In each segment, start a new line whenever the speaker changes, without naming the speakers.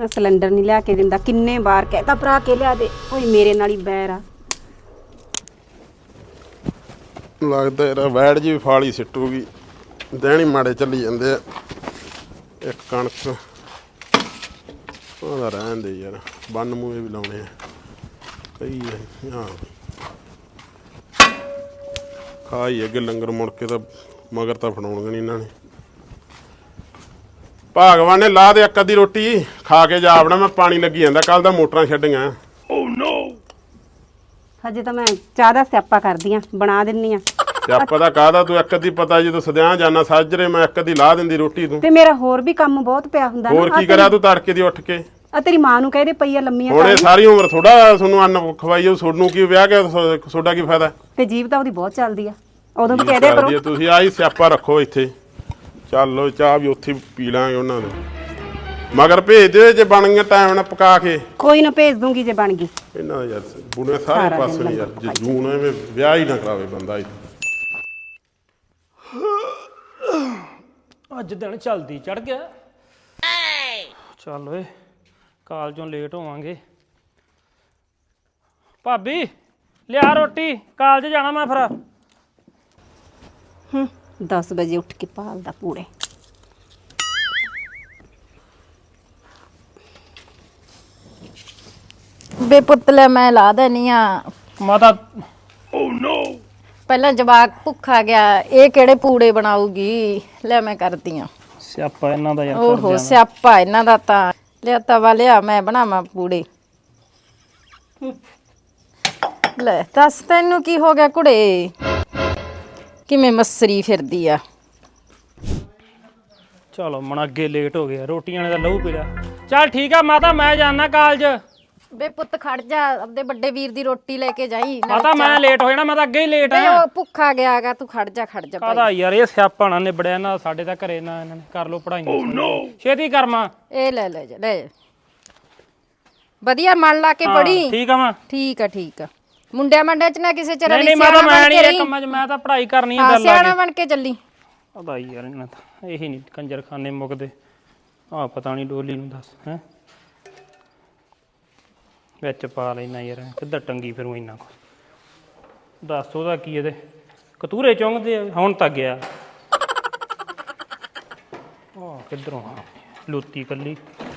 Cylinder नहीं लिया के दिंदा किन्ने बार कहता भरा के लिया दे ओए मेरे नाल ही बैर आ
लगदा यार वैड़ जी फाली सिट्टूगी देनी माड़े चली जांदे एक कणक ਉਹਦਾ ਰਹਿਣ ਦੇ ਯਾਰ ਬੰਨ ਮੂਹੇ ਵੀ ਲਾਉਣੇ ਆ ਕਈ ਹਾਂ ਖਾਈ ਅੱਗੇ ਲੰਗਰ ਮੁੜ ਕੇ ਤਾਂ ਮਗਰ ਤਾਂ ਫੜਾਉਣਗੇ ਨਹੀਂ ਇਹਨਾਂ ਨੇ ਭਗਵਾਨ ਨੇ ਲਾ ਦੇ ਇੱਕ ਅੱਧੀ ਰੋਟੀ ਖਾ ਕੇ ਜਾ ਆਪਣਾ ਮੈਂ ਪਾਣੀ ਲੱਗੀ ਜਾਂਦਾ ਕੱਲ ਦਾ ਮੋਟਰਾਂ ਛੱਡੀਆਂ ਓ ਨੋ
ਹਜੇ ਤਾਂ ਮੈਂ ਚਾਹ ਦਾ ਸਿਆਪਾ ਕਰਦੀ ਆ ਬਣਾ ਦਿੰਨੀ ਆ
ਸਿਆਪਾ ਦਾ ਕਾਹਦਾ ਤੂੰ ਇੱਕ ਅੱਧੀ ਪਤਾ ਜਦੋਂ ਸਦਿਆਂ ਜਾਣਾ ਸਾਜਰੇ ਮੈਂ ਇੱਕ ਅੱਧੀ ਲਾ ਦਿੰਦੀ ਰੋਟੀ ਤੂੰ
ਤੇ ਮੇਰਾ ਹੋਰ ਵੀ ਕੰਮ ਬਹੁਤ ਪਿਆ ਹੁੰਦਾ
ਹੋਰ ਕੀ ਕਰਾਂ ਤੂੰ ਤੜਕੇ ਦੀ ਉੱਠ ਕੇ
ਆ ਤੇਰੀ ਮਾਂ ਨੂੰ ਕਹਦੇ ਪਈ ਆ ਲੰਮੀਆਂ
ਹੁਣ ਇਹ ਸਾਰੀ ਉਮਰ ਥੋੜਾ ਤੁਹਾਨੂੰ ਅੰਨ ਖਵਾਈਓ ਤੁਹਾਨੂੰ ਕੀ ਵਿਆਹ ਕੇ ਤੁਹਾਡਾ ਕੀ ਫਾਇਦਾ
ਤੇ ਜੀਭ ਤਾਂ ਉਹਦੀ ਬਹੁਤ ਚੱਲਦੀ ਆ ਉਦੋਂ ਵੀ ਕਹਦੇ ਕਰੋ
ਤੁਸੀਂ ਆਹੀ ਸਿਆਪਾ ਰੱਖੋ ਇੱਥੇ ਚੱਲੋ ਚਾਹ ਵੀ ਉੱਥੇ ਪੀ ਲਾਂਗੇ ਉਹਨਾਂ ਨੂੰ ਮਗਰ ਭੇਜ ਦਿਓ ਜੇ ਬਣ ਗਿਆ ਟਾਈਮ ਨਾਲ ਪਕਾ ਕੇ
ਕੋਈ ਨਾ ਭੇਜ ਦੂੰਗੀ ਜੇ ਬਣ ਗਈ
ਇਹਨਾਂ ਦਾ ਯਾਰ ਬੁੜੇ ਸਾਰੇ ਪਾਸੇ ਨਹੀਂ ਯਾਰ ਜੇ ਜੂਨ ਐਵੇਂ ਵਿਆਹ ਹੀ ਨਾ ਕਰਾਵੇ ਬੰਦਾ
ਅੱਜ ਦਿਨ ਚਲਦੀ ਚੜ ਗਿਆ ਚੱਲ ਓਏ ਕਾਲਜੋਂ ਲੇਟ ਹੋਵਾਂਗੇ ਭਾਬੀ ਲਿਆ ਰੋਟੀ ਕਾਲਜ ਜਾਣਾ ਮੈਂ ਫਿਰ
10 ਵਜੇ ਉੱਠ ਕੇ ਪਾਲਦਾ ਪੂੜੇ
ਬੇਪੁੱਤਲੇ ਮੈਂ ਲਾ ਦੇਣੀ ਆ
ਮਾਤਾ
ਓ ਨੋ
ਪਹਿਲਾਂ ਜਵਾਕ ਭੁੱਖਾ ਗਿਆ ਇਹ ਕਿਹੜੇ ਪੂੜੇ ਬਣਾਉਗੀ ਲੈ ਮੈਂ ਕਰਦੀ ਆ
ਸਿਆਪਾ ਇਹਨਾਂ ਦਾ ਯਾਰ
ਓਹੋ ਸਿਆਪਾ ਇਹਨਾਂ ਦਾ ਤਾਂ ਲਿਆ ਤਵਾ ਲਿਆ ਮੈਂ ਬਣਾਵਾਂ ਪੂੜੇ ਲੈ ਦੱਸ ਤੈਨੂੰ ਕੀ ਹੋ ਗਿਆ ਕੁੜੇ ਕਿਵੇਂ ਮਸਰੀ ਫਿਰਦੀ ਆ
ਚਲੋ ਮਣ ਅੱਗੇ ਲੇਟ ਹੋ ਗਿਆ ਰੋਟੀਆਂ ਨੇ ਤਾਂ ਲਹੂ ਪੀ ਲਿਆ ਚੱਲ ਠੀਕ ਆ ਮਾਤਾ ਮੈਂ ਜਾਣਾ ਕਾਲਜ
ਬੇ ਪੁੱਤ ਖੜ ਜਾ ਆਪਦੇ ਵੱਡੇ ਵੀਰ ਦੀ ਰੋਟੀ ਲੈ ਕੇ ਜਾਈ
ਮਾਤਾ ਮੈਂ ਲੇਟ ਹੋ ਜਾਣਾ ਮੈਂ ਤਾਂ ਅੱਗੇ ਹੀ ਲੇਟ ਆ
ਉਹ ਭੁੱਖਾ ਗਿਆਗਾ ਤੂੰ ਖੜ ਜਾ
ਕਾਹਦਾ ਯਾਰ ਇਹ ਸਿਆਪਾ ਨਾ ਨਿਬੜਿਆ ਨਾ ਸਾਡੇ ਤਾਂ ਘਰੇ ਨਾ ਇਹਨਾਂ ਨੇ ਕਰ ਲੋ ਪੜਾਈਆਂ ਛੇਤੀ ਕਰਮਾ
ਇਹ ਲੈ ਜਾ ਵਧੀਆ ਮਨ ਲਾ ਕੇ ਪੜੀ
ਠੀਕ ਆ ਮਾਂ
ਠੀਕ ਆ ਮੁੰਡਿਆਂ ਮੰਡਿਆਂ ਚ ਨਾ ਕਿਸੇ ਚ
ਨਹੀਂ ਨਹੀਂ ਮੈਂ ਤਾਂ ਮੈਂ ਨਹੀਂ ਇਹ ਕੰਮਾਂ 'ਚ ਮੈਂ ਤਾਂ ਪੜ੍ਹਾਈ ਕਰਨੀ ਆ ਗੱਲ
ਸਿਆਣਾ ਬਣ ਕੇ ਚੱਲੀ
ਪਤਾ ਯਾਰ ਇਹਨਾਂ ਤਾਂ ਇਹੀ ਨਹੀਂ ਕੰਜਰਖਾਨੇ ਮੁੱਕਦੇ ਆ ਪਤਾ ਨਹੀਂ ਡੋਲੀ ਨੂੰ ਦੱਸ ਹੈ ਵਿੱਚ ਪਾ ਲੈਣਾ ਯਾਰ ਕਿੱਧਰ ਟੰਗੀ ਫਿਰੂ ਇੰਨਾ ਕੁ ਦੱਸ ਉਹਦਾ ਕੀ ਇਹਦੇ ਕਤੂਰੇ ਚੁੰਗਦੇ ਆ ਹੁਣ ਤੱਕ ਗਿਆ ਆ ਕਿੱਧਰੋਂ ਆ ਲੁੱਤੀ ਕੱਲੀ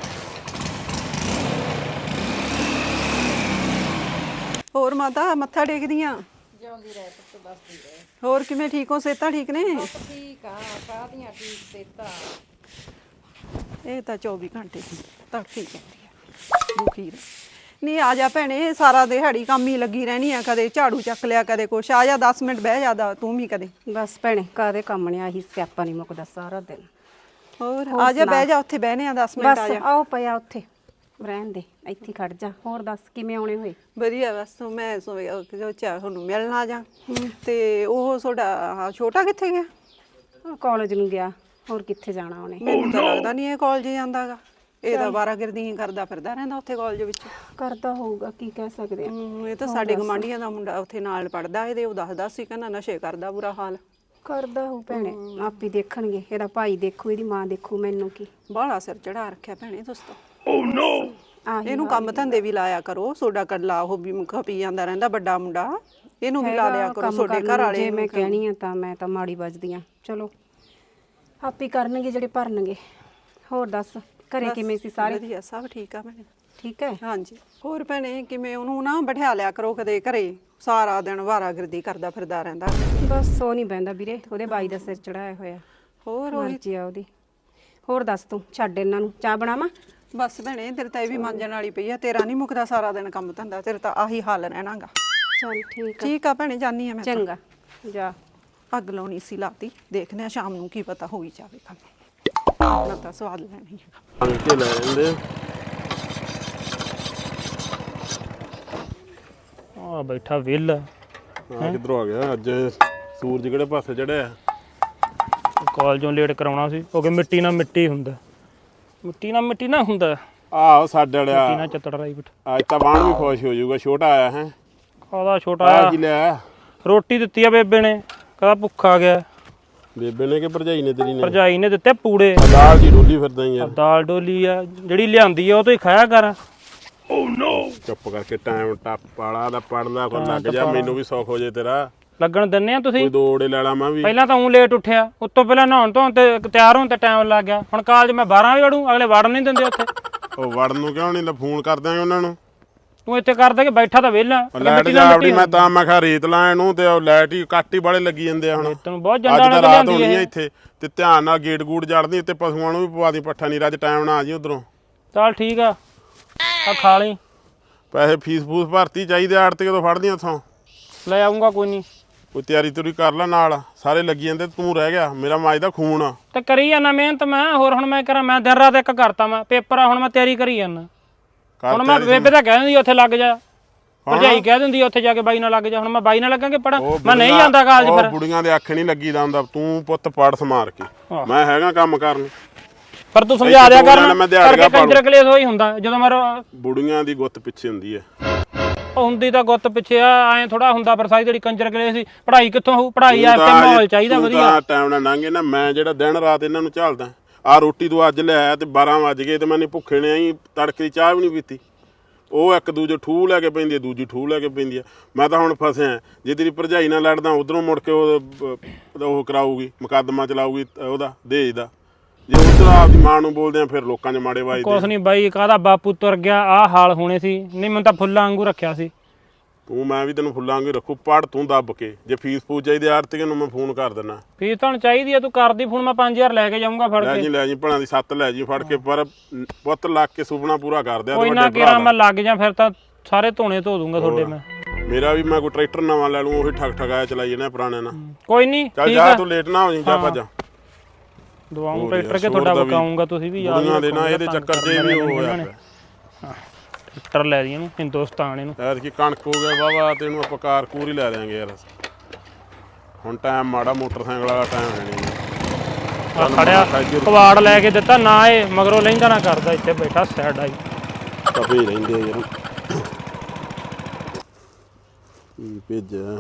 ਹੋਰ ਮਾਤਾ ਮੱਥਾ ਟੇਕਦੀ ਆ ਜਿਉਂਦੀ ਰਹਿ ਪੁੱਤ ਬਸਦੀ ਰਹਿ ਹੋਰ ਕਿਵੇਂ ਠੀਕ ਹੋ ਸਿਹਤਾਂ ਠੀਕ ਨੇ
ਠੀਕ ਆ ਕਾਹਦੀਆਂ ਠੀਕ ਸੇਤਾ
ਇਹ ਤਾਂ 24 ਘੰਟੇ ਦੀ ਤੜਫੀ ਜਾਂਦੀ ਆ ਦੁਖੀ ਨਹੀਂ ਆ ਜਾ ਭੈਣੇ ਸਾਰਾ ਦਿਹਾੜੀ ਕੰਮ ਹੀ ਲੱਗੀ ਰਹਿਣੀ ਆ ਕਦੇ ਝਾੜੂ ਚੱਕ ਲਿਆ ਕਦੇ ਕੁਛ ਆ ਜਾ 10 ਮਿੰਟ ਬਹਿ ਜਾ ਤੂੰ ਵੀ ਕਦੇ
ਬਸ ਭੈਣੇ ਕਾਦੇ ਕੰਮ ਨੇ ਆਹੀ ਸਿਆਪਾ ਨਹੀਂ ਮੁੱਕਦਾ ਸਾਰਾ ਦਿਨ
ਹੋਰ ਆ ਜਾ ਬਹਿ ਜਾ ਉੱਥੇ ਬਹਿਨੇ ਆ 10 ਮਿੰਟ ਆ
ਬਸ
ਜਾ
ਆਓ ਪਿਆ ਉੱਥੇ ਰਹਿਣ ਦੇ ਇੱਥੇ ਖੜ ਜਾ ਹੋਰ ਦੱਸ ਕਿਵੇਂ ਆਉਣੇ ਹੋਏ
ਵਧੀਆ ਬਸ ਮੈਂ ਸੋਚਿਆ ਤੁਹਾਨੂੰ ਮਿਲਣ ਆ ਜਾ ਤੇ ਉਹ ਤੁਹਾਡਾ ਛੋਟਾ ਕਿੱਥੇ ਗਿਆ
ਕਾਲਜ ਨੂੰ ਗਿਆ ਹੋਰ ਕਿੱਥੇ ਜਾਣਾ ਉਹਨੇ
ਮੈਨੂੰ ਤਾਂ ਲੱਗਦਾ ਨਹੀਂ ਇਹ ਕਾਲਜ ਜਾਂਦਾਗਾ ਇਹ ਤਾਂ ਬਾਰਾਗਰਦੀ ਹੀ ਕਰਦਾ ਫਿਰਦਾ ਰਹਿੰਦਾ ਉੱਥੇ ਕਾਲਜ ਵਿੱਚ
ਕਰਦਾ ਹੋਊਗਾ ਕੀ ਕਹਿ ਸਕਦੇ ਆ
ਇਹ ਤਾਂ ਸਾਡੇ ਗਵਾਂਢੀਆਂ ਦਾ ਮੁੰਡਾ ਉੱਥੇ ਨਾਲ ਪੜਦਾ ਇਹਦੇ ਉਹ ਦੱਸਦਾ ਸੀ ਕਹਿੰਦਾ ਨਸ਼ੇ ਕਰਦਾ ਬੁਰਾ ਹਾਲ
ਕਰਦਾ ਹੋ ਭੈਣੇ ਆਪੀ ਦੇਖਣਗੇ ਇਹਦਾ ਭਾਈ ਦੇਖੂ ਇਹਦੀ ਮਾਂ ਦੇਖੂ ਮੈਨੂੰ ਕੀ
ਬਾਹਲਾ ਸਿਰ ਚੜਾ ਰੱਖਿਆ ਭੈਣੇ ਦੋਸਤੋ ਓ ਨੋ ਇਹਨੂੰ ਕੰਮ ਧੰਦੇ ਵੀ ਲਾਇਆ ਕਰੋ ਸੋਡਾ ਕੱਲਾ ਉਹ ਵੀ ਮੁੱਖਾ ਪੀ ਜਾਂਦਾ ਰਹਿੰਦਾ ਵੱਡਾ ਮੁੰਡਾ ਇਹਨੂੰ ਵੀ ਲਾ ਲਿਆ ਕਰੋ ਤੁਹਾਡੇ ਘਰ ਵਾਲੇ
ਜੇ ਮੈਂ ਕਹਿਣੀ ਆ ਤਾਂ ਮੈਂ ਤਾਂ ਮਾੜੀ ਵੱਜਦੀ ਆ ਚਲੋ ਆਪੀ ਕਰਨਗੇ ਜਿਹੜੇ ਭਰਨਗੇ ਹੋਰ ਦੱਸ ਘਰੇ ਕਿਵੇਂ ਸੀ ਸਾਰੇ
ਵਧੀਆ ਸਭ ਠੀਕ ਆ ਭੈਣੇ
ਠੀਕ ਹੈ
ਹਾਂਜੀ ਹੋਰ ਭੈਣੇ ਕਿਵੇਂ ਉਹਨੂੰ ਨਾ ਬਿਠਾ ਲਿਆ ਕਰੋ ਕਦੇ ਘਰੇ ਸਾਰਾ ਦਿਨ ਵਾਰਾਗਰਦੀ ਕਰਦਾ ਫਿਰਦਾ ਰਹਿੰਦਾ
ਬਸ ਉਹ ਨਹੀਂ ਬਹਿੰਦਾ ਵੀਰੇ ਉਹਦੇ ਬਾਈ ਦਾ ਸਿਰ ਚੜਾਇਆ ਹੋਇਆ
ਹੋਰ
ਮਰਜ਼ੀ ਆ ਉਹਦੀ ਹੋਰ ਦੱਸ ਤੂੰ ਛੱਡ ਇਹਨਾਂ ਨੂੰ ਚਾਹ ਬਣਾਵਾਂ
ਬਸ ਭੈਣੇ ਤੇਰੇ ਤਾਂ ਇਹ ਵੀ ਮਾਂਜਣ ਵਾਲੀ ਪਈ ਆ ਤੇਰਾ ਨਹੀਂ ਮੁੱਕਦਾ ਸਾਰਾ ਦਿਨ ਕੰਮ ਧੰਦਾ ਤੇਰੇ ਤਾਂ ਆਹੀ ਹਾਲ ਰਹਿਣਾਗਾ
ਚਲ ਠੀਕ ਆ
ਠੀਕ ਆ ਭੈਣੇ ਜਾਨੀ ਆ ਮੈਂ
ਚੰਗਾ ਜਾ
ਅੱਗ ਲਾਉਣੀ ਸੀ ਲਾਤੀ ਦੇਖਦੇ ਆ ਸ਼ਾਮ ਨੂੰ ਕੀ ਪਤਾ ਹੋਈ ਜਾਵੇ ਕੰਮ ਨਾ ਤਾਂ ਸਵਾਦ ਲੈਣੀ ਹੈ
ਬਣ ਕੇ ਲੈ ਜਾਂਦੇ
ਆ ਬੈਠਾ ਵਿਲ
ਆ ਕਿੱਧਰੋਂ ਆ ਗਿਆ ਅੱਜ ਸੂਰਜ ਕਿਹੜੇ ਪਾਸੇ ਚੜਿਆ
ਕਾਲਜੋਂ ਲੇਟ ਕਰਾਉਣਾ ਸੀ ਕਿਉਂਕਿ ਮਿੱਟੀ ਨਾਲ ਮਿੱਟੀ ਹੁੰਦਾ
ਆਹੋ ਸਾਡੇ
ਮਿੱਟੀ
ਵਾਲਿਆ
ਨਾਲ ਚੱਤੜ ਰਾਈ ਬਿਠ
ਅੱਜ ਤਾਂ ਬਾਣ ਵੀ ਖੁਸ਼ ਹੋ ਜਾਊਗਾ ਛੋਟਾ ਆਇਆ ਹੈ
ਕਾਹਦਾ ਛੋਟਾ
ਆ ਕੀ ਲਿਆ
ਰੋਟੀ ਦਿੱਤੀ ਆ ਬੇਬੇ ਨੇ ਕਹਿੰਦਾ ਭੁੱਖਾ ਗਿਆ
ਬੇਬੇ ਨੇ ਕਿ ਭਰਜਾਈ ਨੇ ਤੇਰੀ ਨੇ?
ਭਰਜਾਈ ਨੇ ਦਿੱਤੇ ਪੂੜੇ।
ਦਾਲ ਦੀ ਡੋਲੀ ਫਿਰਦਾ ਯਾਰ।
ਦਾਲ ਡੋਲੀ ਆ ਜਿਹੜੀ ਲਿਆਂਦੀ ਆ ਉਹ ਤੋਂ ਹੀ ਖਾਇਆ ਕਰ।
ਓ ਨੋ ਚੁੱਪ ਕਰਕੇ ਟਾਈਮ ਟੱਪ ਵਾਲਾ ਦਾ ਪੜਦਾ ਕੋ ਲੱਗ ਜਾ, ਮੈਨੂੰ ਵੀ ਸੌਖ ਹੋ ਜੇ ਤੇਰਾ।
ਲੱਗਣ ਦਿੰਨੇ ਆ ਤੁਸੀਂ?
ਕੋਈ ਦੋੜੇ ਲੈ ਲਾ ਮੈਂ ਵੀ।
ਪਹਿਲਾਂ ਤਾਂ ਲੇਟ ਉੱਠਿਆ, ਉੱਤੋਂ ਪਹਿਲਾਂ ਨਹਾਉਣ ਧੋਣ ਤੇ ਤਿਆਰ ਹੋਣ ਤੇ ਟਾਈਮ ਲੱਗ ਗਿਆ। ਹੁਣ ਕਾਲਜ ਮੈਂ 12 ਵਜੇ ਵੜੂ, ਅਗਲੇ ਵੜਨ ਨਹੀਂ ਦਿੰਦੇ ਉੱਥੇ।
ਉਹ ਵੜਨ ਨੂੰ ਕਿਉਂ ਨਹੀਂ? ਫੋਨ ਕਰ ਦਾਂਗੇ ਉਹਨਾਂ ਨੂੰ।
ਤੂੰ ਇੱਥੇ ਕਰਦਾ ਕਿ ਬੈਠਾ ਤਾਂ ਵਿਹਲਾ।
ਲਾਈਟ ਜਾਵੜੀ ਮੈਂ ਤਾਂ ਮੈਂ ਕਿਹਾ ਰੇਤ ਲਾਂ ਇਹਨੂੰ ਤੇ ਲਾਈਟ ਹੀ ਕੱਟ ਹੀ ਵਾਲੇ ਲੱਗੀ ਜਾਂਦੇ ਆ ਹੁਣ।
ਤੈਨੂੰ ਬਹੁਤ
ਅੱਜ
ਜੰਡਾਂ
ਤਾਂ
ਨਾਲ
ਰਾਤ
ਲਿਆਂਦੀ
ਹੋਣੀ ਆ
ਇਹ।
ਇੱਥੇ ਤੇ ਧਿਆਨ ਨਾਲ ਗੇਟ ਗੂੜ ਜੜਦੀ ਤੇ ਪਸ਼ੂਆਂ ਨੂੰ ਵੀ ਪਵਾ ਦੀ ਪੱਠਾ ਨਹੀਂ ਰੱਜ ਟਾਈਮ ਨਾਲ ਆ ਜੀ ਉਧਰੋਂ।
ਚੱਲ ਠੀਕ ਆ ਖਾ ਲਈ।
ਪੈਸੇ ਫੀਸ ਫੂਸ ਭਰਤੀ ਚਾਹੀਦੇ ਆੜਤੀ ਕਦੋਂ ਫੜਦੀਆਂ ਉੱਥੋਂ?
ਲੈ ਆਉਂਗਾ ਕੋਈ ਨਹੀਂ।
ਕੋਈ ਤਿਆਰੀ ਤੁਰੀ ਕਰ ਲੈ ਨਾਲ, ਸਾਰੇ ਲੱਗੀ ਜਾਂਦੇ ਤੂੰ ਰਹਿ ਗਿਆ। ਮੇਰਾ ਮਾਜ ਦਾ ਖੂਨ ਆ
ਤੇ ਕਰੀ ਜਾਣਾ ਮਿਹਨਤ ਮੈਂ। ਹੋਰ ਹੁਣ ਮੈਂ ਕਰਾਂ? ਮੈਂ ਦਿਨ ਰਾਤ ਇੱਕ ਕਰਤਾ ਮੈਂ ਪੇਪਰ ਆ, ਹੁਣ ਮੈਂ ਤਿਆਰੀ ਕਰੀ ਜਾਣਾ। ਹੁਣ ਮੈਂ ਬੇਬੇ ਤਾਂ ਕਹਿ ਦਿੰਦੀ ਉੱਥੇ ਲੱਗ ਜਾ, ਭਰਜਾਈ ਕਹਿ ਦਿੰਦੀ ਉੱਥੇ ਜਾ ਕੇ ਬਾਈ ਨਾਲ ਲੱਗ ਜਾ। ਹੁਣ ਮੈਂ ਬਾਈ ਨਾਲ ਲੱਗਾਂਗੇ ਪੜਾਂ? ਮੈਂ ਨਹੀਂ ਜਾਂਦਾ ਕਾਲਜ ਫਿਰ।
ਬੁੜੀਆਂ ਦੇ ਅੱਖ ਨਹੀਂ ਲੱਗੀ ਦਾ ਹੁੰਦਾ। ਤੂੰ ਪੁੱਤ ਪੜ ਸਮਾਰ ਕੇ, ਮੈਂ ਹੈਗਾ ਕੰਮ ਕਰਨ।
ਪਰ ਤੂੰ ਸਮਝਾ ਦਿਆ ਕਰ
ਮੈਂ ਦਿਹਾੜੀਆਂ
ਕਰਕੇ ਕੰਜਰ ਕਲੇਸ਼ ਹੋਈ ਹੁੰਦਾ ਜਦੋਂ ਮੇਰਾ।
ਬੁੜੀਆਂ ਦੀ ਗੁੱਤ ਪਿੱਛੇ ਹੁੰਦੀ ਹੈ।
ਉਹ ਹੁੰਦੀ ਤਾਂ ਗੁੱਤ ਪਿੱਛੇ ਆ, ਐਂ ਥੋੜਾ ਹੁੰਦਾ। ਪਰ ਸਾਰੀ ਜਿਹੜੀ ਕੰਜਰ ਕਲੇਸ਼ ਸੀ, ਪੜ੍ਹਾਈ ਕਿੱਥੋਂ ਹੋਊ? ਪੜ੍ਹਾਈ ਆ ਤੇ ਮਾਹੌਲ ਚਾਹੀਦਾ ਵਧੀਆ।
ਟਾਈਮ ਨਾਲ ਲੰਘੇ ਨਾ, ਮੈਂ ਜਿਹੜਾ ਦਿਨ ਰਾਤ ਇਹਨਾਂ ਨੂੰ ਝੱਲਦਾ। ਆ ਰੋਟੀ ਤੂੰ ਅੱਜ ਲੈ ਆਇਆ ਤੇ 12 ਵਜ ਗਏ ਤੇ ਮੈਨੇ ਭੁੱਖੇ ਨੇ ਆਈ ਤੜਕੇ ਦੀ ਚਾਹ ਵੀ ਨਹੀਂ ਪੀਤੀ। ਉਹ ਇੱਕ ਦੂਜੇ ਠੂਹ ਲੈ ਕੇ ਪੈਂਦੀ ਹੈ, ਦੂਜੀ ਠੂਹ ਲੈ ਕੇ ਪੈਂਦੀ ਹੈ। ਮੈਂ ਤਾਂ ਹੁਣ ਫਸਿਆ। ਜੇ ਤੇਰੀ ਭਰਜਾਈ ਨਾਲ ਲੜਦਾ ਉਧਰੋਂ ਮੁੜ ਕੇ ਉਹ ਕਰਾਊਗੀ, ਮੁਕੱਦਮਾ ਚਲਾਊਗੀ ਉਹਦਾ ਦਹੇਜ ਦਾ। ਜੇ ਉਧਰ ਆਪਦੀ ਮਾਂ ਨੂੰ ਬੋਲਦੇ ਆ ਫਿਰ ਲੋਕਾਂ 'ਚ ਮਾੜੇ ਵੱਜਦੇ।
ਕੁਛ ਨਹੀਂ ਬਾਈ, ਕਾਹਦਾ ਬਾਪੂ ਤੁਰ ਗਿਆ ਆਹ ਹਾਲ ਹੋਣੇ ਸੀ। ਨਹੀਂ ਮੈਨੂੰ ਤਾਂ ਫੁੱਲਾਂ ਵਾਂਗੂ ਰੱਖਿਆ ਸੀ
ਤੂੰ। ਮੈਂ ਵੀ ਤੈਨੂੰ ਫੁੱਲਾਂ ਵਾਂਗੂ ਰੱਖੂ। ਪੜ ਤੂੰ ਦੱਬ ਕੇ। ਜੇ ਫੀਸ ਫੂਸ ਚਾਹੀਦੀ ਆੜਤੀਆਂ ਨੂੰ ਮੈਂ ਫੋਨ ਕਰ ਦਿੰਦਾ।
ਫੀਸ ਤੁਹਾਨੂੰ ਚਾਹੀਦੀ ਆ? ਤੂੰ ਕਰਦੀ ਫੋਨ, ਮੈਂ 5000 ਲੈ ਕੇ ਜਾਊਂਗਾ ਫੜ ਕੇ।
ਲੈ ਜੀ ਭਣਾ ਦੀ 7 ਲੈ ਜੀ ਫੜ ਕੇ। ਪਰ ਪੁੱਤ ਲੱਗ ਕੇ ਸੁਪਨਾ ਪੂਰਾ ਕਰ ਦਿਆ।
ਕੋਈ ਨਾ ਕਿਰਾ ਮੈਂ ਲੱਗ ਜਾ ਫਿਰ ਤਾਂ ਸਾਰੇ ਧੋਣੇ ਧੋ ਦੂੰਗਾ ਤੁਹਾਡੇ ਮੈਂ।
ਮੇਰਾ ਵੀ ਮੈਂ ਕੋਈ ਟਰੈਕਟਰ ਨਵਾਂ ਲੈ ਲੂੰ, ਉਹੀ ਠੱਗ ਠਗਾਇਆ ਚਲਾਈ ਜਾਣਾ ਪੁਰਾਣੇ ਨਾਲ।
ਕੋਈ ਨਹੀਂ
ਚੱਲ
ਠੀਕ
ਜਾ
ਆ।
ਤੂੰ ਲੇਟ ਨਾ ਹੋ ਜੀ, ਜਾ ਭੱਜ।
ਦਵਾਉਂ ਟਰੈਕਟਰ ਕੇ ਤੁਹਾਡਾ ਵਕਾਉਂਗਾ ਤੁਸੀਂ ਵੀ ਯਾਦ
ਦੇ ਨਾ ਇਹਦੇ ਚੱਕਰ 'ਚ ਵੀ ਉਹ ਹੋਇਆ ਪਿਆ।
ਟਰੈਕਟਰ ਲੈ ਦੀ ਇਹਨੂੰ, ਹਿੰਦੁਸਤਾਨ ਇਹਨੂੰ।
ਐਤਕੀ ਕਣਕ ਹੋ ਗਿਆ ਵਾਵਾ ਤੇ ਇਹਨੂੰ ਆਪਾਂ ਕਾਰ ਕੂਰ ਹੀ ਲੈ ਦਿਆਂਗੇ ਯਾਰ। ਹੁਣ ਟਾਈਮ ਮਾੜਾ, ਮੋਟਰਸਾਈਕਲ ਵਾਲਾ ਟਾਈਮ ਹੈ ਨਹੀਂ।
ਆ ਖੜਿਆ ਕਵਾੜ ਲੈ ਕੇ ਦਿੱਤਾ ਨਾ, ਇਹ ਮਗਰੋਂ ਲਹਿੰਦਾ ਨਾ ਕਰਦਾ। ਇੱਥੇ ਬੈਠਾ ਸਾਈਡ ਆਈ
ਤਪੇ ਹੀ ਰਹਿੰਦੇ ਯਾਰ। ਭੇਜਿਆ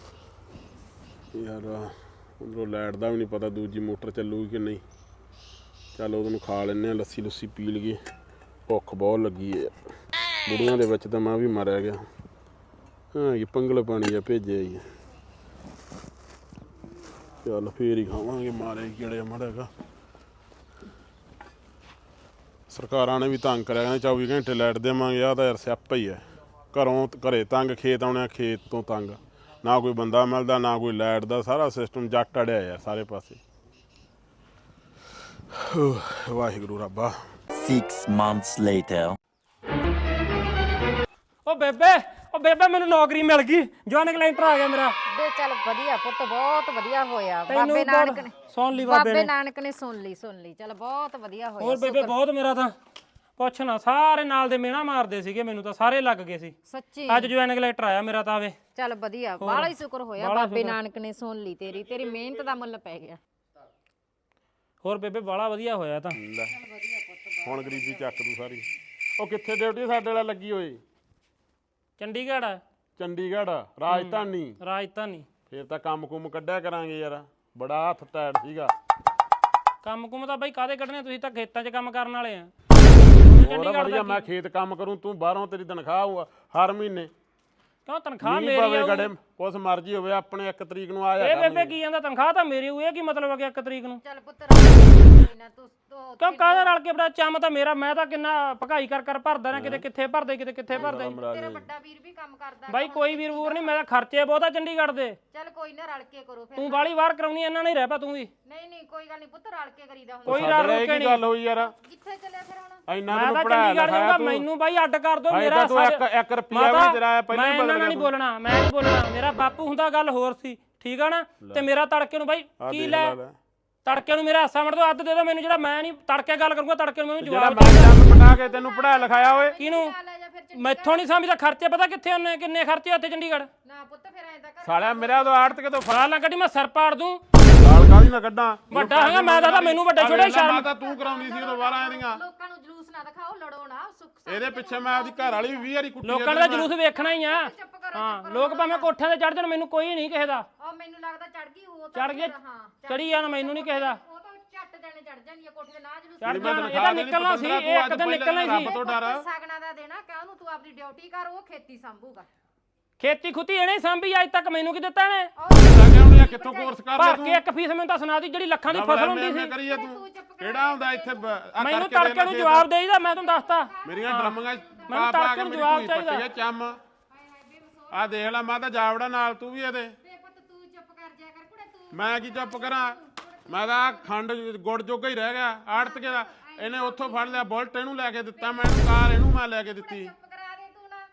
ਯਾਰ ਉਧਰੋਂ ਲਾਈਟ ਦਾ ਵੀ ਨਹੀਂ ਪਤਾ ਦੂਜੀ ਮੋਟਰ ਚੱਲੂਗੀ ਕਿ ਨਹੀਂ। ਚੱਲ ਉਹਨੂੰ ਖਾ ਲੈਂਦੇ ਆ, ਲੱਸੀ ਲੁੱਸੀ ਪੀ ਲਈਏ। ਭੁੱਖ ਬਹੁਤ ਲੱਗੀ ਹੈ। ਬੁੜੀਆਂ ਦੇ ਵਿੱਚ ਤਾਂ ਮੈਂ ਵੀ ਮਾਰਿਆ ਗਿਆ। ਹਾਂ ਇਹ ਪੰਗਲ ਪਾਣੀ ਆ ਭੇਜਿਆ ਹੀ। ਚੱਲ ਫੇਰ ਹੀ ਖਾਵਾਂਗੇ। ਮਾਰੇ ਕਿਹੜੇ ਮੜੇਗਾ। ਸਰਕਾਰਾਂ ਨੇ ਵੀ ਤੰਗ ਕਰਿਆ, ਕਹਿੰਦੇ 24 ਘੰਟੇ ਲਾਈਟ ਦੇਵਾਂਗੇ। ਆਹ ਤਾਂ ਯਾਰ ਸਿਆਪਾ ਹੀ ਹੈ। ਘਰੇ ਤੰਗ, ਖੇਤ ਆਉਣੇ, ਖੇਤ ਤੋਂ ਤੰਗ। ਨਾ ਕੋਈ ਬੰਦਾ ਮਿਲਦਾ, ਨਾ ਕੋਈ ਲਾਈਟ ਦਾ। ਸਾਰਾ ਸਿਸਟਮ ਜੱਟ ਅੜਿਆ ਯਾਰ ਸਾਰੇ ਪਾਸੇ। ਵਾਹਿਗੁਰੂ ਰੱਬਾ।
6 months later.
ਉਹ ਬੇਬੇ ਮੈਨੂੰ ਨੌਕਰੀ ਮਿਲ ਗਈ। ਜੁਆਇਨਿੰਗ ਲੈਟਰ ਆ ਗਿਆ ਮੇਰਾ।
ਬੇ ਚੱਲ ਵਧੀਆ ਪੁੱਤ, ਬਹੁਤ ਵਧੀਆ ਹੋਇਆ।
ਤੈਨੂੰ
ਬਾਬੇ ਨਾਨਕ ਨੇ
ਸੁਣ ਲਈ ਬਾਬੇ
ਨਾਨਕ ਨੇ ਸੁਣ ਲਈ। ਚੱਲ ਬਹੁਤ ਵਧੀਆ ਹੋਇਆ।
ਹੋਰ ਬੇਬੇ ਬਹੁਤ ਮੇਰਾ ਤਾਂ ਪੁੱਛ ਨਾ, ਸਾਰੇ ਨਾਲ ਦੇ ਮਿਹਣਾ ਮਾਰਦੇ ਸੀਗੇ ਮੈਨੂੰ ਤਾਂ, ਸਾਰੇ ਲੱਗ ਗਏ ਸੀ।
ਸੱਚੀ
ਅੱਜ ਜੁਆਇਨਿੰਗ ਲੈਟਰ ਆਇਆ ਮੇਰਾ ਤਾਂ। ਆਵੇ
ਚੱਲ ਵਧੀਆ, ਬਾਹਲਾ ਹੀ ਸ਼ੁਕਰ ਹੋਇਆ। ਬਾਬੇ ਨਾਨਕ ਨੇ ਸੁਣ ਲਈ ਤੇਰੀ ਮਿਹਨਤ ਦਾ ਮੁੱਲ ਪੈ ਗਿਆ।
ਹੋਰ ਬੇਬੇ ਬਾਹਲਾ ਵਧੀਆ ਹੋਇਆ ਤਾਂ।
ਹੁਣ ਗਰੀਬੀ ਚੱਕ ਦੂ ਸਾਰੀ। ਉਹ ਕਿੱਥੇ ਡਿਊਟੀ ਸਾਡੇ ਵਾਲਾ ਲੱਗੀ ਹੋਈ?
ਚੰਡੀਗੜ੍ਹ ਆ।
ਚੰਡੀਗੜ੍ਹ ਰਾਜਧਾਨੀ।
ਰਾਜਧਾਨੀ
ਫੇਰ ਤਾਂ ਕੰਮ ਕੁਮ ਕੱਢਿਆ ਕਰਾਂਗੇ ਯਾਰ। ਬੜਾ ਹੱਥ ਟੈਟ ਸੀਗਾ।
ਕੰਮ ਕੁਮ ਤਾਂ ਬਾਈ ਕਾਹਦੇ ਕੱਢਣੇ? ਤੁਸੀਂ ਤਾਂ ਖੇਤਾਂ 'ਚ ਕੰਮ ਕਰਨ ਵਾਲੇ ਆ।
ਹੋਰ ਵਧੀਆ, ਮੈਂ ਖੇਤ ਕੰਮ ਕਰੂੰ, ਤੂੰ ਬਾਹਰੋਂ ਤੇਰੀ ਤਨਖਾਹ ਆਊਗਾ ਹਰ ਮਹੀਨੇ।
ਕਿਉਂ ਤਨਖਾਹ
ਮੀਂਹ
ਮੇਰੀ
ਪਵੇ
ਆ?
ਗੜੇ ਕੁਛ ਮਰਜ਼ੀ ਹੋਵੇ, ਆਪਣੇ 1 ਤਰੀਕ ਨੂੰ ਆ
ਇਹ
ਜਾ।
ਬੇਬੇ ਕੀ ਜਾਂਦਾ? ਤਨਖਾਹ ਤਾਂ ਮੇਰੀ ਹੋਈ ਹੈ। ਕੀ ਮਤਲਬ ਆ ਕਿ 1 ਤਰੀਕ ਨੂੰ?
ਚੱਲ ਪੁੱਤ ਨਾ ਤੂੰ
ਕਿਉਂ ਕਾਹਦਾ ਰਲ ਕੇ ਬੜਾ ਚੰਮ ਤਾਂ ਮੇਰਾ। ਮੈਂ ਤਾਂ ਕਿੰਨਾ ਭਗਾਈ ਕਰ ਭਰਦਾ ਨਾ, ਕਿਤੇ ਕਿੱਥੇ ਭਰਦੇ, ਕਿਤੇ ਕਿੱਥੇ ਭਰਦੇ।
ਤੇਰਾ ਵੱਡਾ ਵੀਰ ਵੀ ਕੰਮ ਕਰਦਾ।
ਬਾਈ ਕੋਈ ਵੀਰ ਵੂਰ ਨਹੀਂ, ਮੇਰਾ ਖਰਚੇ ਬਹੁਤ ਆ ਚੰਡੀਗੜ੍ਹ ਦੇ।
ਚੱਲ ਕੋਈ ਨਾ, ਰਲ ਕੇ ਕਰੋ ਫਿਰ।
ਤੂੰ ਬਾਲੀ ਵਾਰ ਕਰਾਉਣੀ, ਇਹਨਾਂ ਨਹੀਂ ਰਹਿ ਪਾ ਤੂੰ ਵੀ।
ਨਹੀਂ ਕੋਈ ਗੱਲ ਨਹੀਂ ਪੁੱਤ, ਰਲ ਕੇ ਕਰੀਦਾ ਹੁੰਦਾ।
ਕੋਈ ਰਲ ਰੁਕ ਕੇ
ਕੀ ਗੱਲ ਹੋਈ ਯਾਰ?
ਕਿੱਥੇ ਚੱਲਿਆ ਫਿਰ ਹੁਣ?
ਇੰਨਾ
ਮੈਂ
ਤੈਨੂੰ
ਤਾਂ
ਪੜਾਇਆ
ਚੰਡੀਗੜ੍ਹ
ਲਿਖਾਇਆ
ਜਾਊਂਗਾ,
ਤੂੰ।
ਮੈਨੂੰ ਬਾਈ ਅੱਡ ਕਰ ਦੋ। ਮੇਰਾ
ਤੂੰ 1 ਰੁਪਿਆ ਵੀ ਤੇਰਾ ਪਹਿਲਾਂ
ਮੈਂ ਇਹਨਾਂ ਨਾਲ ਨਹੀਂ ਬੋਲਣਾ, ਮੈਂ ਨਹੀਂ ਬੋਲਣਾ। ਮੇਰਾ ਬਾਪੂ ਹੁੰਦਾ ਗੱਲ ਹੋਰ ਸੀ, ਠੀਕ ਆ ਨਾ? ਤੇ ਮੇਰਾ ਤੜਕੇ ਨੂੰ ਬਾਈ ਕੀ ਲੈ ਤੜਕੇ ਨੂੰ ਮੇਰਾ ਹਿੱਸਾ ਮੜ ਦੋ, ਅੱਧ ਦੇ ਦੋ ਮੈਨੂੰ। ਜਿਹੜਾ ਮੈਂ ਨਹੀਂ ਤੜਕੇ ਗੱਲ ਕਰੂੰਗਾ, ਤੜਕੇ ਨੂੰ ਮੈਨੂੰ ਜਵਾਬ
ਮੈਂ ਜੰਮ ਪਟਾ ਕੇ ਤੈਨੂੰ ਪੜਾਇਆ ਲਿਖਾਇਆ ਓਏ।
ਕਿਹਨੂੰ? ਮੈਥੋਂ ਨਹੀਂ ਸਮਝਦਾ। ਖਰਚੇ ਪਤਾ ਕਿੱਥੇ ਹੁੰਨੇ? ਕਿੰਨੇ ਖਰਚੇ ਉੱਥੇ ਚੰਡੀਗੜ੍ਹ?
ਨਾ ਪੁੱਤ ਫਿਰ ਐਂ ਤਾਂ ਕਰ।
ਸਾਲਿਆ ਮੇਰਾ ਉਦੋਂ ਆੜਤ ਕੇ ਤੋਂ
ਫੜਾ ਨਾ ਕੱਢੀ, ਮੈਂ ਸਿਰ ਪਾੜ ਦੂੰ।
ਸਾਲ ਕਾਹਦੀ ਨਾ ਕੱਢਾਂ।
ਵੱਡਾ ਹੈਗਾ ਮੈਂ ਤਾਂ ਮੈਨੂੰ ਵੱਡੇ ਛੋਟੇ ਸ਼ਰਮ।
ਤਾਂ ਤੂੰ ਕਰਾਉਂਦੀ ਸੀ ਉਦੋਂ 12 ਇਹਦੀਆਂ।
ਲੋਕਾਂ ਨੂੰ ਜਲੂਸ ਨਾ ਦਿਖਾਓ, ਲੜੋ ਨਾ। ਸੁੱਖ
ਇਹਦੇ ਪਿੱਛੇ ਮੈਂ ਆਪਦੀ ਘਰ ਵਾਲੀ 20 ਵਾਰੀ ਕੁੱਟੀ।
ਲੋਕਾਂ ਦਾ ਜਲੂਸ ਵੇਖਣਾ ਹੀ ਆ। ਹਾਂ ਲੋਕ ਭਾਵੇਂ ਕੋਠਿਆਂ ਤੇ ਚੜ ਜਾਣ, ਮੈਨੂੰ ਕੋਈ ਨਹੀਂ ਕਿਸੇ ਦਾ।
ਮੈਨੂੰ ਲੱਗਦਾ ਚੜ ਗਈ ਉਹ
ਚੜ ਗਿਆ ਚੜੀ ਜਾਣ ਮੈਨੂੰ ਨਹੀਂ ਕਿਸੇ ਦਾ
ਉਹ ਤਾਂ ਝੱਟ ਦੇਣੇ ਚੜ ਜਾਂਦੀ ਆ ਕੋਠੇ ਦੇ ਨਾ ਜਲੂਸ
ਚੜ ਜਾਣ ਇਹਦਾ ਨਿਕਲਣਾ ਸੀ ਇਹ ਇੱਕ ਦਿਨ ਨਿਕਲਣਾ ਹੀ ਸੀ
ਤੋਂ ਡਰ
ਸਗਣਾ ਦਾ ਦੇਣਾ ਕਿ ਉਹਨੂੰ ਤੂੰ ਆਪਣੀ ਡਿਊਟੀ ਕਰ ਉਹ ਖੇਤੀ ਸੰਭੂਗਾ
ਖੇਤੀ ਖੁੱਤੀ ਇਹਨੇ ਸਾਂਭੀ ਅੱਜ ਤੱਕ ਮੈਨੂੰ ਕੀ ਦਿੱਤਾ ਨੇ
ਕਿੱਥੋਂ ਕੋਰਸ ਕਰ
ਭਰ ਕੇ ਇੱਕ ਫੀਸ ਮੈਨੂੰ ਤਾਂ ਸੁਣਾ ਦੀ ਜਿਹੜੀ ਲੱਖਾਂ ਦੀ ਫਸਲ ਹੁੰਦੀ ਸੀ
ਕਰੀਏ ਤੂੰ ਕਿਹੜਾ ਹੁੰਦਾ ਇੱਥੇ
ਮੈਨੂੰ ਤੜਕੇ ਨੂੰ ਜਵਾਬ ਦੇਈਦਾ ਮੈਂ ਤੁਹਾਨੂੰ ਦੱਸਤਾ
ਮੇਰੀਆਂ ਡਰਮੀਆਂ
ਮੈਨੂੰ ਤੜਕੇ ਨੂੰ ਜਵਾਬ ਚਾਹੀਦਾ
ਚੰਮ ਆ ਦੇਖ ਲੈ ਮੈਂ ਤਾਂ ਜਾਵੜਾ ਨਾਲ ਤੂੰ ਵੀ ਇਹਦੇ
ਪੁੱਤ ਤੂੰ ਚੁੱਪ ਕਰ ਜਾ ਕਰ ਕੁੜੇ ਤੂੰ
ਮੈਂ ਕੀ ਚੁੱਪ ਕਰਾਂ ਮੈਂ ਤਾਂ ਖੰਡ ਗੁੜ ਜੋਗਾ ਹੀ ਰਹਿ ਗਿਆ ਆੜਤ ਕੇ ਦਾ ਇਹਨੇ ਉੱਥੋਂ ਫੜ ਲਿਆ ਬੁਲਟ ਇਹਨੂੰ ਲੈ ਕੇ ਦਿੱਤਾ ਮੈਂ ਕਾਰ ਇਹਨੂੰ ਮੈਂ ਲੈ ਕੇ ਦਿੱਤੀ
ਚੁੱਪ ਕਰਾ ਦੇ ਤੂੰ ਨਾ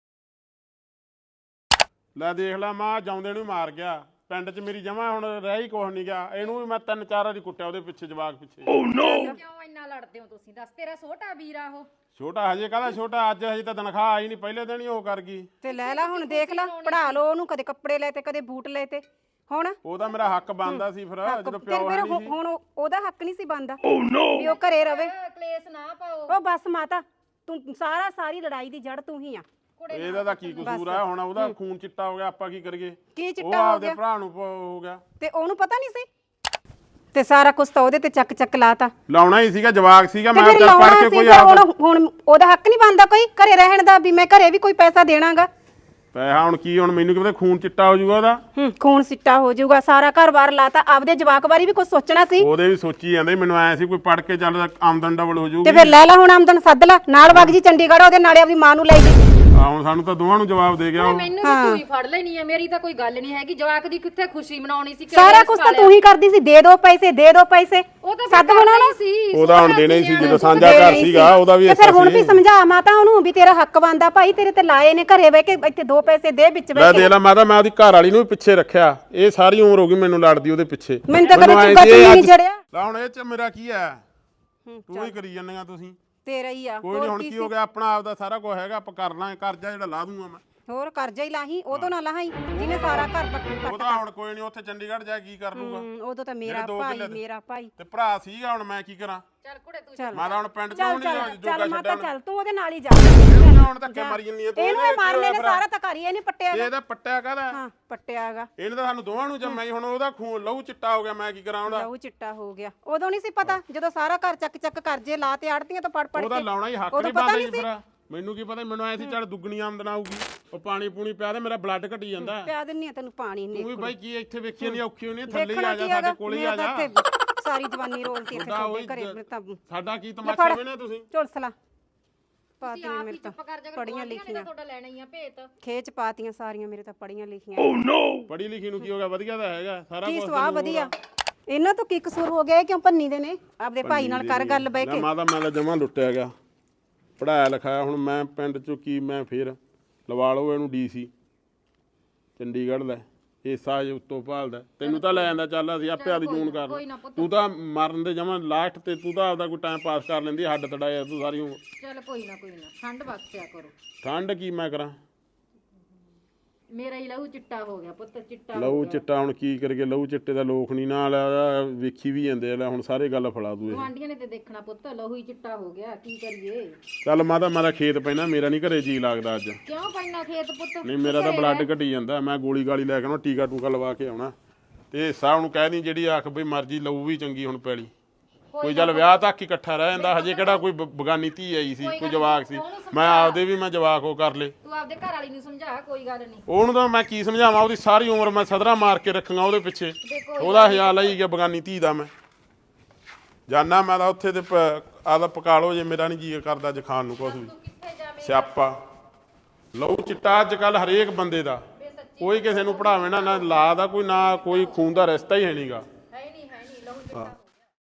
ਲੈ ਦੇਖ ਲੈ ਮਾਂ ਜਾਉਂਦੇ ਨੂੰ ਮਾਰ ਗਿਆ ਪਿੰਡ 'ਚ ਮੇਰੀ ਜਮਾ ਹੁਣ ਰਹਿ ਹੀ ਕੁਛ ਨਹੀਂ ਗਿਆ ਇਹਨੂੰ ਵੀ ਮੈਂ 3-4 ਵਾਰੀ ਕੁੱਟਿਆ ਉਹਦੇ ਪਿੱਛੇ ਜਵਾਕ ਪਿੱਛੇ
ਕਿਉਂ ਇੰਨਾ ਲੜਦੇ ਹੋ ਤੁਸੀਂ ਦੱਸ ਤੇਰਾ ਛੋਟਾ ਵੀਰ ਆ ਉਹ
ਛੋਟਾ ਹਜੇ ਕਾਹਦਾ ਛੋਟਾ ਅੱਜ ਹਜੇ ਤਾਂ ਤਨਖਾਹ ਆਈ ਨਹੀਂ ਪਹਿਲੇ ਦਿਨ ਹੀ ਉਹ ਕਰ ਗਈ
ਤੇ ਲੈ ਲਾ ਹੁਣ ਦੇਖ ਲਾ ਪੜਾ ਲਓ ਉਹਨੂੰ ਕਦੇ ਕੱਪੜੇ ਲੈ ਤੇ ਕਦੇ ਬੂਟ ਲੈ ਤੇ ਹੁਣ
ਉਹਦਾ ਮੇਰਾ ਹੱਕ ਬਣਦਾ ਸੀ ਫਿਰ ਜਦੋਂ ਪਿਓ
ਫਿਰ
ਹੈ ਨਹੀਂ ਸੀ
ਹੁਣ ਉਹਦਾ ਹੱਕ ਨਹੀਂ ਸੀ ਬਣਦਾ ਵੀ ਉਹ ਘਰੇ ਰਵੇ
ਕਲੇਸ਼ ਨਾ ਪਾਓ
ਉਹ ਬਸ ਮਾਤਾ ਤੂੰ ਸਾਰੀ ਲੜਾਈ ਦੀ ਜੜ ਤੂੰ ਹੀ ਆ
ਇਹਦਾ ਤਾਂ ਕੀ ਕਸੂਰ ਆ ਹੁਣ ਉਹਦਾ ਖੂਨ ਚਿੱਟਾ ਹੋ ਗਿਆ ਆਪਾਂ ਕੀ ਕਰੀਏ
ਕੀ
ਉਹ
ਚਿੱਟਾ ਹੋ
ਆਪਦੇ
ਗਿਆ
ਭਰਾ ਨੂੰ ਹੋ ਗਿਆ
ਤੇ ਉਹਨੂੰ ਪਤਾ ਨਹੀਂ ਸੀ ਤੇ ਸਾਰਾ ਕੁਝ ਤਾਂ ਉਹਦੇ ਤੇ ਚੱਕ ਲਾਤਾ
ਲਾਉਣਾ ਹੀ ਸੀਗਾ ਜਵਾਕ ਸੀਗਾ
ਤੇ
ਮੈਂ
ਫਿਰ
ਚੱਲ ਪੜ
ਲਾਉਣਾ
ਕੇ
ਸੀ
ਕੋਈ
ਫਿਰ
ਆਪ
ਹੁਣ ਉਹਦਾ ਹੱਕ ਨਹੀਂ ਬਣਦਾ ਕੋਈ ਘਰੇ ਰਹਿਣ ਦਾ ਵੀ ਮੈਂ ਘਰੇ ਵੀ ਕੋਈ ਪੈਸਾ ਦੇਣਾਗਾ
ਪੈਸਾ ਹੁਣ ਕੀ ਹੁਣ ਮੈਨੂੰ ਕੀ ਪਤਾ ਖੂਨ ਚਿੱਟਾ ਹੋ ਜਾਊਗਾ ਉਹਦਾ
ਖੂਨ ਸਿੱਟਾ ਹੋ ਜਾਊਗਾ ਸਾਰਾ ਘਰ-ਬਾਰ ਲਾਤਾ ਆਪਦੇ ਜਵਾਕ ਬਾਰੇ ਵੀ ਕੁਝ ਸੋਚਣਾ ਸੀ
ਉਹਦੇ ਵੀ ਸੋਚੀ ਜਾਂਦੇ ਮੈਨੂੰ ਐ ਸੀ ਕੋਈ ਪੜ ਕੇ ਚੱਲ ਆਮਦਨ ਡਬਲ ਹੋ
ਤੇ
ਜਾਊਗੀ
ਫਿਰ ਲੈ ਲਾ ਹੁਣ ਆਮਦਨ ਸੱਦ ਲਾ ਨਾਲ ਵਗ ਜੀ ਚੰਡੀਗੜ੍ਹ ਉਹਦੇ ਨਾਲੇ ਆਪਦੀ ਮਾਂ ਨੂੰ ਲੈ ਜੀ
ਆ ਹੁਣ ਸਾਨੂੰ ਤਾਂ ਦੋਵਾਂ ਨੂੰ ਜਵਾਬ ਦੇ ਗਿਆ ਉਹ
ਮੈਨੂੰ ਵੀ ਤੂੰ ਹੀ ਫੜ ਲੈਣੀ ਹੈ ਮੇਰੀ ਤਾਂ ਕੋਈ ਗੱਲ ਨਹੀਂ ਹੈਗੀ ਜਵਾਕ ਦੀ ਕਿੱਥੇ ਖੁਸ਼ੀ ਮਨਾਉਣੀ ਸੀ
ਸਾਰਾ ਕੁਝ ਤਾਂ ਤੂੰ ਹੀ ਕਰਦੀ ਸੀ ਦੇ ਦੋ ਪੈਸੇ
ਉਹ ਤਾਂ
ਸੱਦ ਬਣਾਉਣਾ
ਸੀ
ਉਹਦਾ ਹੁਣ ਦੇਣਾ ਹੀ ਸੀ ਜਦੋਂ ਸਾਂਝਾ ਘਰ ਸੀਗਾ ਉਹਦਾ ਵੀ
ਤੇ ਫਿਰ ਹੁਣ ਵੀ
ਸੀ
ਸਮਝਾ ਮਾਤਾ ਉਹਨੂੰ ਵੀ ਤੇਰਾ ਹੱਕ ਬਣਦਾ ਭਾਈ ਤੇਰੇ ਤੇ ਲਾਏ ਨੇ ਘਰੇ ਬਹਿ ਕੇ ਇੱਥੇ 2 ਪੈਸੇ ਦੇ ਵਿੱਚ
ਲੈ
ਬਹਿ ਕੇ
ਦੇ ਲਾ ਮਾਤਾ ਮੈਂ ਉਹਦੀ ਘਰ ਵਾਲੀ ਨੂੰ ਵੀ ਪਿੱਛੇ ਰੱਖਿਆ ਇਹ ਸਾਰੀ ਉਮਰ ਹੋ ਗਈ ਮੈਨੂੰ ਲੜਦੀ ਉਹਦੇ ਪਿੱਛੇ
ਮੈਨੂੰ ਤਾਂ ਕਦੇ
ਮੈਨੂੰ ਐਂ
ਚੁੱਕਾ
ਸੀ ਇਹ
ਨਹੀਂ
ਅੱਜ-
ਜੜਿਆ
ਲੈ ਹੁਣ ਇਹ ਚ ਮੇਰਾ ਕੀ ਹੈ ਤੂੰ ਹੀ ਕਰੀ ਜਾਂਦੀਆਂ ਤੁਸੀਂ
ਤੇਰਾ ਹੀ ਆ
ਕੋਈ ਨਹੀਂ ਹੁਣ ਕੀ ਹੋ ਗਿਆ ਆਪਣਾ ਆਪਦਾ ਸਾਰਾ ਕੁਝ ਹੈਗਾ ਆਪਾਂ ਕਰ ਲਾਂਗੇ ਕਰਜ਼ਾ ਜਿਹੜਾ ਲਾ ਦੂੰਗਾ ਮੈਂ
ਹੋਰ ਕਰਜ਼ਾ ਹੀ ਲਾਹੀ ਉਦੋਂ ਨਾ ਲਾਹੀ ਜਿਹਨੇ ਸਾਰਾ ਘਰ
ਉਹ ਤਾਂ ਹੁਣ ਕੋਈ ਨਹੀਂ ਉੱਥੇ ਚੰਡੀਗੜ੍ਹ ਜਾ ਕੀ ਕਰ ਲੂਗਾ
ਉਦੋਂ ਤਾਂ ਮੇਰਾ ਭਾਈ
ਤੇ ਭਰਾ ਸੀਗਾ ਹੁਣ ਮੈਂ ਕੀ ਕਰਾਂ
ਚੱਲ ਕੁੜੇ ਤੂੰ
ਮੈਂ ਤਾਂ ਹੁਣ ਪਿੰਡ ਚੋਂ
ਚੱਲ
ਨਹੀਂ ਜੋਗਾ
ਚੱਲ ਮਾਤਾ
ਛੱਡਣ
ਚੱਲ ਤੂੰ ਉਹਦੇ ਨਾਲ ਹੀ ਜਾ
ਹੁਣ ਧੱਕੇ ਮਾਰੀ ਜੰਨੀ ਆ ਤੂੰ
ਇਹਨੂੰ ਇਹ ਮਾਰਨੇ ਨੇ ਸਾਰਾ ਤਾਂ ਕਰੀ ਇਹਨੇ ਪੱਟਿਆ
ਇਹਦਾ ਪੱਟਿਆ ਕਾਹਦਾ
ਹਾਂ ਪੱਟਿਆਗਾ
ਇਹਨੇ ਤਾਂ ਸਾਨੂੰ ਦੋਵਾਂ ਨੂੰ ਜੰਮਿਆ ਹੁਣ ਉਹਦਾ ਖੂਨ ਲਹੂ ਚਿੱਟਾ ਹੋ ਗਿਆ ਮੈਂ ਕੀ ਕਰਾਂ ਉਹਦਾ
ਲਹੂ ਚਿੱਟਾ ਹੋ ਗਿਆ ਉਦੋਂ ਨਹੀਂ ਸੀ ਪਤਾ ਜਦੋਂ ਸਾਰਾ ਘਰ ਚੱਕ ਕਰਜ਼ੇ ਲਾ ਤੇ ਆੜਤੀਆਂ ਤੋਂ ਪੜ
ਉਹਦਾ
ਕੇ
ਲਾਉਣਾ ਹੀ ਹੱਕ ਨਹੀਂ ਬਣਦਾ ਜੀ ਫਿਰ ਮੈਨੂੰ ਕੀ ਪਤਾ ਮੈਨੂੰ ਐ ਸੀ ਚੱਲ ਦੁੱਗਣੀ ਆਮਦਨ ਆਊਗੀ ਉਹ ਪਾਣੀ ਪੂਣੀ ਪਿਆ ਤੇ ਮੇਰਾ ਬਲੱਡ ਘਟੀ ਜਾਂਦਾ
ਪਿਆ ਦਿੰਨੀ ਆ ਤੈਨੂੰ ਪਾਣੀ
ਤੂੰ ਵੀ ਬਾਈ ਕੀ ਇੱਥੇ ਵੇਖੀ ਨਹੀਂ ਔਖੀ ਹੋਣੀ ਥੱਲੇ ਹੀ
ਦੇਖਣਾ
ਆ ਜਾ
ਕੀ
ਸਾਡੇ
ਹੈਗਾ
ਕੋਲੇ ਹੀ ਆ ਜਾ
ਸਾਰੀ ਜਵਾਨੀ ਰੋਲਤੀ ਇੱਥੇ ਤੁਹਾਡੇ ਘਰੇ ਤਾਂ
ਸਾਡਾ ਕੀ ਤਮਾਸ਼ਾ ਵੇਨੇ ਤੁਸੀਂ
ਝੁਲਸਲਾ ਪਾਤੀਆਂ
ਆਪ
ਮੇਰੇ
ਹੀ
ਤਾਂ
ਚੁੱਪ ਕਰ ਜਾ
ਪੜੀਆਂ ਲਿਖੀਆਂ
ਤੁਹਾਡਾ ਲੈਣਾ ਹੀ ਆ ਭੇਤ
ਖੇਚ ਪਾਤੀਆਂ ਸਾਰੀਆਂ ਮੇਰੇ ਤਾਂ ਪੜੀਆਂ ਲਿਖੀਆਂ
ਪੜੀ ਲਿਖੀ ਨੂੰ ਕੀ ਹੋ ਗਿਆ ਵਧੀਆ ਤਾਂ ਹੈਗਾ ਸਾਰਾ
ਕੀ
ਕੁਝ
ਸਵਾਹ ਵਧੀਆ ਇਹਨਾਂ ਤੋਂ ਕੀ ਕਸੂਰ ਹੋ ਗਿਆ ਕਿਉਂ ਭੰਨੀ ਦੇ ਨੇ ਆਪਦੇ ਭਾਈ ਨਾਲ ਕਰ ਗੱਲ ਬਹਿ ਕੇ
ਮਾਤਾ ਮੈਂ ਤਾਂ ਜਮਾ ਲੁੱਟਿਆ ਗਿਆ ਪੜਾਇਆ ਲਿਖਾਇਆ ਹੁਣ ਮੈਂ ਪਿੰਡ ਚੋਂ ਕੀ ਮੈਂ ਫੇਰ ਲਵਾ ਲਓ ਇਹਨੂੰ ਡੀਸੀ ਚੰਡੀਗੜ੍ਹ ਲੈ ਹਿੱਸਾ ਜੇ ਉੱਤੋਂ ਭਾਲਦਾ ਤੈਨੂੰ ਤਾਂ ਲੈ ਜਾਂਦਾ ਚੱਲ ਅਸੀਂ ਆਪੇ ਆਦੀ ਜੂਨ ਕਰ ਤੂੰ ਤਾਂ ਮਰਨ ਦੇ ਜਮਾ ਲਾਸਟ ਤੇ ਤੂੰ ਤਾਂ ਆਪਦਾ ਕੋਈ ਟਾਈਮ ਪਾਸ ਕਰ ਲੈਂਦੀ ਹੱਡ ਤੜਾਇਆ ਤੂੰ ਸਾਰੀ ਉਮਰ
ਚੱਲ ਕੋਈ ਨਾ ਠੰਡ ਬਖਸ਼ਿਆ ਕਰੋ
ਠੰਡ ਕੀ ਮੈਂ ਕਰਾਂ
ਮੇਰਾ ਹੀ ਲਹੂ ਚਿੱਟਾ ਹੋ ਗਿਆ ਪੁੱਤ ਚਿੱਟਾ
ਲਹੂ ਚਿੱਟਾ ਹੁਣ ਕੀ ਕਰੀਏ ਲਹੂ ਚਿੱਟੇ ਦਾ ਲੋਕ ਨਹੀਂ ਨਾਲ ਵੇਖੀ ਵੀ ਜਾਂਦੇ ਆ ਹੁਣ ਸਾਰੇ ਗੱਲ ਫੜਾ ਦੂ ਇਹ
ਗੁਆਂਢੀਆਂ ਨੇ ਤੇ ਦੇਖਣਾ ਪੁੱਤ ਲਹੂ ਹੀ ਚਿੱਟਾ ਹੋ ਗਿਆ ਕੀ ਕਰੀਏ
ਚੱਲ ਮਾਤਾ ਮੇਰਾ ਖੇਤ ਪੈਣਾ ਮੇਰਾ ਨਹੀਂ ਘਰੇ ਜੀ ਲੱਗਦਾ ਅੱਜ
ਕਿਉਂ ਪੈਣਾ ਖੇਤ ਪੁੱਤ
ਨਹੀਂ ਮੇਰਾ ਤਾਂ ਬਲੱਡ ਘਟੀ ਜਾਂਦਾ ਮੈਂ ਗੋਲੀ ਗਾਲੀ ਲੈ ਕੇ ਆਉਣਾ ਟੀਕਾ ਟੂਕਾ ਲਵਾ ਕੇ ਆਉਣਾ ਤੇ ਹਿੱਸਾ ਉਹਨੂੰ ਕਹਿ ਦੀ ਜਿਹੜੀ ਆਖ ਬਈ ਮਰਜ਼ੀ ਲਊ ਵੀ ਚੰਗੀ ਹੁਣ ਪੈਲੀ ਕੋਈ ਚੱਲ ਵਿਆਹ ਤੱਕ ਇਕੱਠਾ ਰਹਿ ਜਾਂਦਾ ਹਜੇ ਕਿਹੜਾ ਕੋਈ ਬਗਾਨੀ ਧੀ ਆਈ ਸੀ ਕੋਈ ਜਵਾਕ ਸੀ ਮੈਂ ਆਪਦੇ ਵੀ ਮੈਂ ਜਵਾਕ ਉਹ ਕਰ ਲੇ
ਤੂੰ ਆਪਦੇ ਘਰ ਵਾਲੀ ਨੂੰ ਸਮਝਾ ਕੋਈ ਗੱਲ ਨਹੀਂ
ਉਹਨੂੰ ਤਾਂ ਮੈਂ ਕੀ ਸਮਝਾਵਾਂ ਉਹਦੀ ਸਾਰੀ ਉਮਰ ਮੈਂ ਸਦਰਾ ਮਾਰ ਕੇ ਰੱਖਾਂਗਾ ਉਹਦੇ ਪਿੱਛੇ ਉਹਦਾ ਖਿਆਲ ਆਈ ਗਿਆ ਬਗਾਨੀ ਧੀ ਦਾ ਮੈਂ ਜਾਨਾ ਮੈਂ ਤਾਂ ਉੱਥੇ ਤੇ ਆਦਾ ਪਕਾ ਲਓ ਜੇ ਮੇਰਾ ਨਹੀਂ ਜੀ ਕਰਦਾ ਅੱਜ ਖਾਣ ਨੂੰ ਕੁਛ ਵੀ ਸਿਆਪਾ ਲਹੂ ਚਿੱਟਾ ਅੱਜ ਕੱਲ ਹਰੇਕ ਬੰਦੇ ਦਾ ਕੋਈ ਕਿਸੇ ਨੂੰ ਪੜਾਵੇ ਨਾ ਲਾ ਦਾ ਕੋਈ ਨਾ ਕੋਈ ਖੂਨ ਦਾ ਰਿਸ਼ਤਾ ਹੀ ਹੈ ਨਹੀਂਗਾ
ਹੈ ਨਹੀਂ ਲਹੂ ਚਿੱਟਾ